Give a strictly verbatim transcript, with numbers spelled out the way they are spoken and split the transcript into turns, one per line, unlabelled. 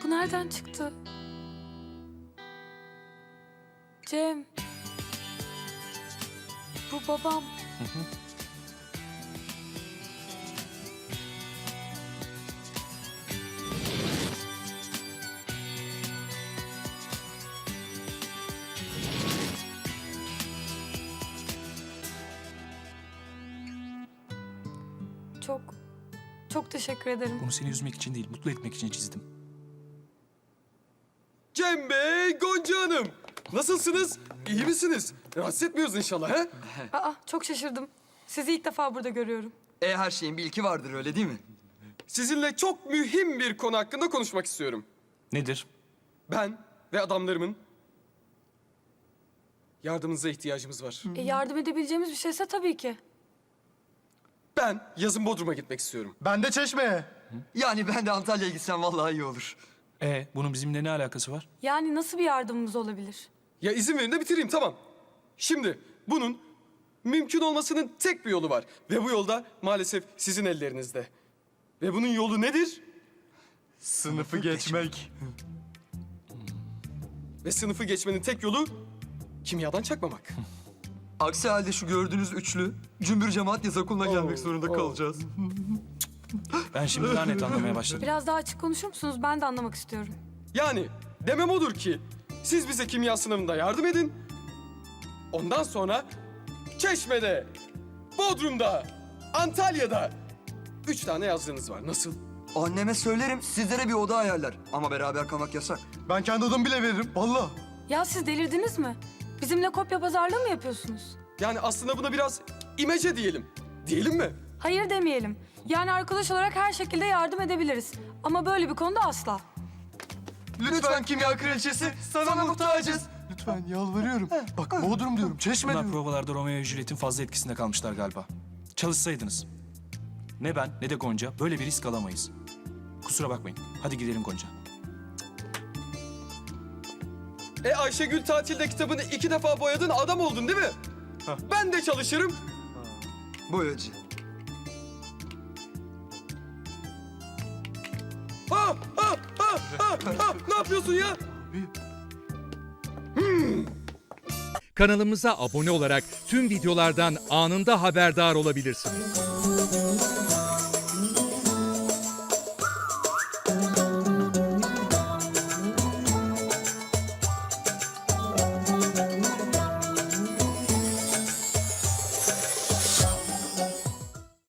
Bu nereden çıktı? Cem. Bu babam.
Hı hı.
Çok, çok teşekkür ederim.
Bunu seni üzmek için değil, mutlu etmek için çizdim.
Cem Bey, Gonca Hanım. Nasılsınız? İyi misiniz? Rahatsız etmiyoruz inşallah he?
Aa, çok şaşırdım. Sizi ilk defa burada görüyorum.
E her şeyin bir ilki vardır öyle değil mi?
Sizinle çok mühim bir konu hakkında konuşmak istiyorum.
Nedir?
Ben ve adamlarımın yardımınıza ihtiyacımız var.
E, yardım edebileceğimiz bir şeyse tabii ki.
Ben yazın Bodrum'a gitmek istiyorum.
Ben de Çeşme'ye.
Yani ben de Antalya'ya gitsem vallahi iyi olur.
Ee, bunun bizimle ne alakası var?
Yani nasıl bir yardımımız olabilir?
Ya izin verin de bitireyim tamam. Şimdi bunun mümkün olmasının tek bir yolu var. Ve bu yolda maalesef sizin ellerinizde. Ve bunun yolu nedir?
Sınıfı geçmek.
Ve sınıfı geçmenin tek yolu kimyadan çakmamak.
Aksi halde şu gördüğünüz üçlü cümbür cemaat yaz okuluna gelmek zorunda
oo.
kalacağız.
Ben şimdi daha net anlamaya başladım.
Biraz daha açık konuşur musunuz? Ben de anlamak istiyorum.
Yani demem odur ki siz bize kimya sınavında yardım edin. Ondan sonra Çeşme'de, Bodrum'da, Antalya'da üç tane yazdığınız var. Nasıl?
Anneme söylerim sizlere bir oda ayarlar. Ama beraber kalmak yasak.
Ben kendi odamı bile veririm. Vallahi.
Ya siz delirdiniz mi? Bizimle kopya pazarlığı mı yapıyorsunuz?
Yani aslında buna biraz imece diyelim. Diyelim mi?
Hayır demeyelim. Yani arkadaş olarak her şekilde yardım edebiliriz. Ama böyle bir konuda asla.
Lütfen kimya kraliçesi sana muhtacız.
Lütfen yalvarıyorum. Bak Bodrum diyorum, Çeşme
Bunlar
diyorum.
provalarda Romeo ve Juliet'in fazla etkisinde kalmışlar galiba. Çalışsaydınız. Ne ben ne de Gonca böyle bir risk alamayız. Kusura bakmayın. Hadi gidelim Gonca.
E Ayşegül tatilde kitabını iki defa boyadın adam oldun değil mi? Ben de çalışırım.
Boyacı.
Ha, ha, ha, ha, ha. Ne yapıyorsun ya?
Kanalımıza abone olarak tüm videolardan anında haberdar olabilirsiniz.